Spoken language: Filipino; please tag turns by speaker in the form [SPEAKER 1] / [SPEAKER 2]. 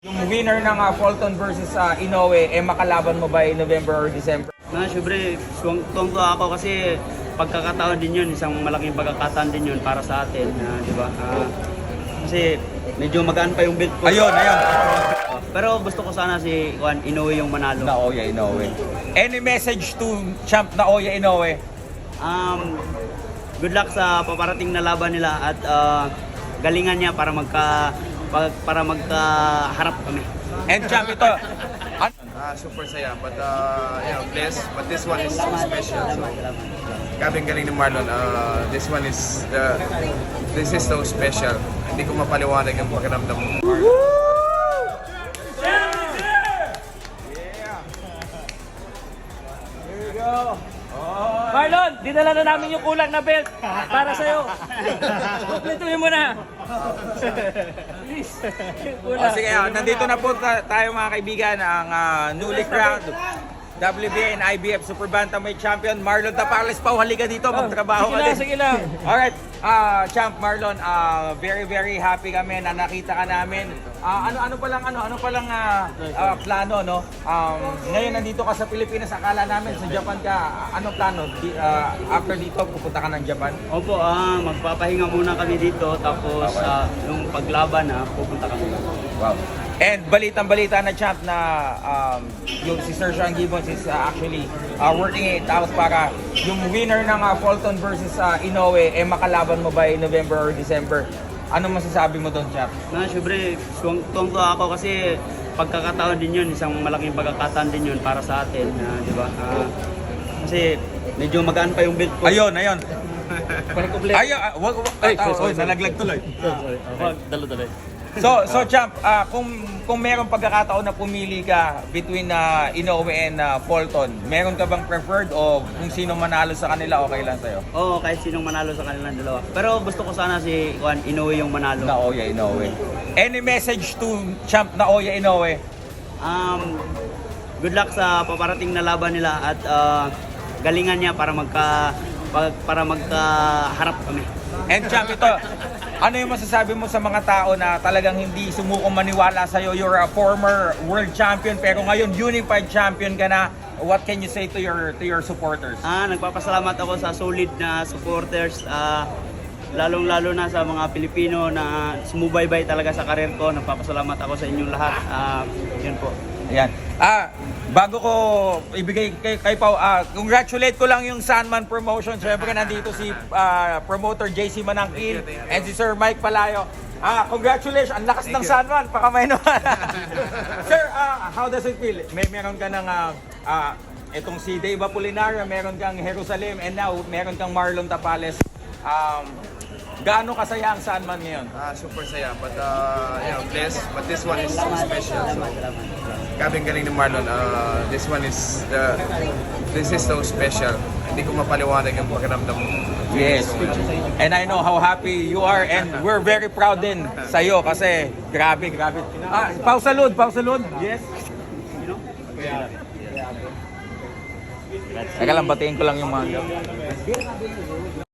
[SPEAKER 1] Yung winner ng Fulton versus Inoue, makalaban mo ba November or December?
[SPEAKER 2] Syempre, tuwang-tuwa ako kasi pagkakataon din yun, isang malaking pagkakataon din yun para sa atin, di ba? Kasi medyo magaan pa yung belt ko.
[SPEAKER 1] Ayun.
[SPEAKER 2] Pero gusto ko sana si Inoue yung manalo.
[SPEAKER 1] Naoya Inoue. Any message to champ Naoya Inoue?
[SPEAKER 2] Good luck sa paparating na laban nila at galingan niya para magkaharap kami.
[SPEAKER 1] And champ, ito,
[SPEAKER 3] Super saya, but blessed. But this one is so special. So,
[SPEAKER 2] Salamat.
[SPEAKER 3] grabe ang galing ni Marlon. This is so special. Hindi ko mapaliwanag ang pakiramdam mo.
[SPEAKER 4] Marlon, dinala na namin yung kulang na belt para sa'yo. Kumpletuhin mo na. Please.
[SPEAKER 1] sige, nandito na po tayo mga kaibigan, ang newly crowned WBA and IBF Super Bantamweight Champion Marlon Tapales. Pau, halika dito, magtrabaho ka din.
[SPEAKER 4] Sige lang.
[SPEAKER 1] Alright, Champ Marlon, very happy kami na nakita ka namin. Ano palang plano, no? Ngayon nandito ka sa Pilipinas, akala namin sa Japan ka. Anong plano? After dito, pupunta ka ng Japan?
[SPEAKER 2] Opo, magpapahinga muna kami dito tapos yung paglaban pupunta kami.
[SPEAKER 1] Wow. And balitang-balita na champ na yung si Sir Sean Gibbons is actually working it out para yung winner ng Fulton versus Inoue, makalaban mo ba November or December? Ano masasabi mo doon, champ?
[SPEAKER 2] Syempre, tuwang-tuwa ako kasi pagkakataon din yun, isang malaking pagkakataon din yun para sa atin, di ba? Kasi medyo magaan pa yung belt ko.
[SPEAKER 1] Ayun.
[SPEAKER 2] Kompleto.
[SPEAKER 1] Nalaglag tuloy.
[SPEAKER 4] Dalo-dalo.
[SPEAKER 1] So champ, kung meron pagkakataon na pumili ka between Inoue and Fulton, meron ka bang preferred o kung sino manalo sa kanila okay lang sa'yo?
[SPEAKER 2] Oo, kahit sinong manalo sa kanilang dalawa. Pero gusto ko sana si Inoue yung manalo.
[SPEAKER 1] Naoya Inoue. Any message to champ Naoya Inoue?
[SPEAKER 2] Good luck sa paparating na laban nila at galingan niya para magkaharap kami.
[SPEAKER 1] And champ, ito, ano yung masasabi mo sa mga tao na talagang hindi sumukong maniwala sa'yo? You're a former world champion pero ngayon unified champion ka na. What can you say to your supporters?
[SPEAKER 2] Nagpapasalamat ako sa solid na supporters, lalong-lalo na sa mga Pilipino na sumubaybay talaga sa karir ko. Nagpapasalamat ako sa inyong lahat. Yun po.
[SPEAKER 1] Ayan. Bago ko ibigay kay Pau, congratulate ko lang yung Sandman Promotion. Siyempre nandito si promoter JC Manangkil and si Sir Mike Palayo. Congratulations! Ang lakas ng Sandman. Pakamay naman. Sir, how does it feel? Meron ka ng itong si Dave Apolinario, meron kang Jerusalem, and now meron kang Marlon Tapales. Gaano kasaya ang Sandman ngayon?
[SPEAKER 3] Super saya, but blessed. But this one is so special. So, grabe ang galing ni Marlon. This is so special. Hindi ko mapaliwanag ang pakiramdam mo.
[SPEAKER 1] Yes. And I know how happy you are and we're very proud din sa iyo kasi grabe. Pau salud. Yes. Teka lang, batiin ko lang yung mga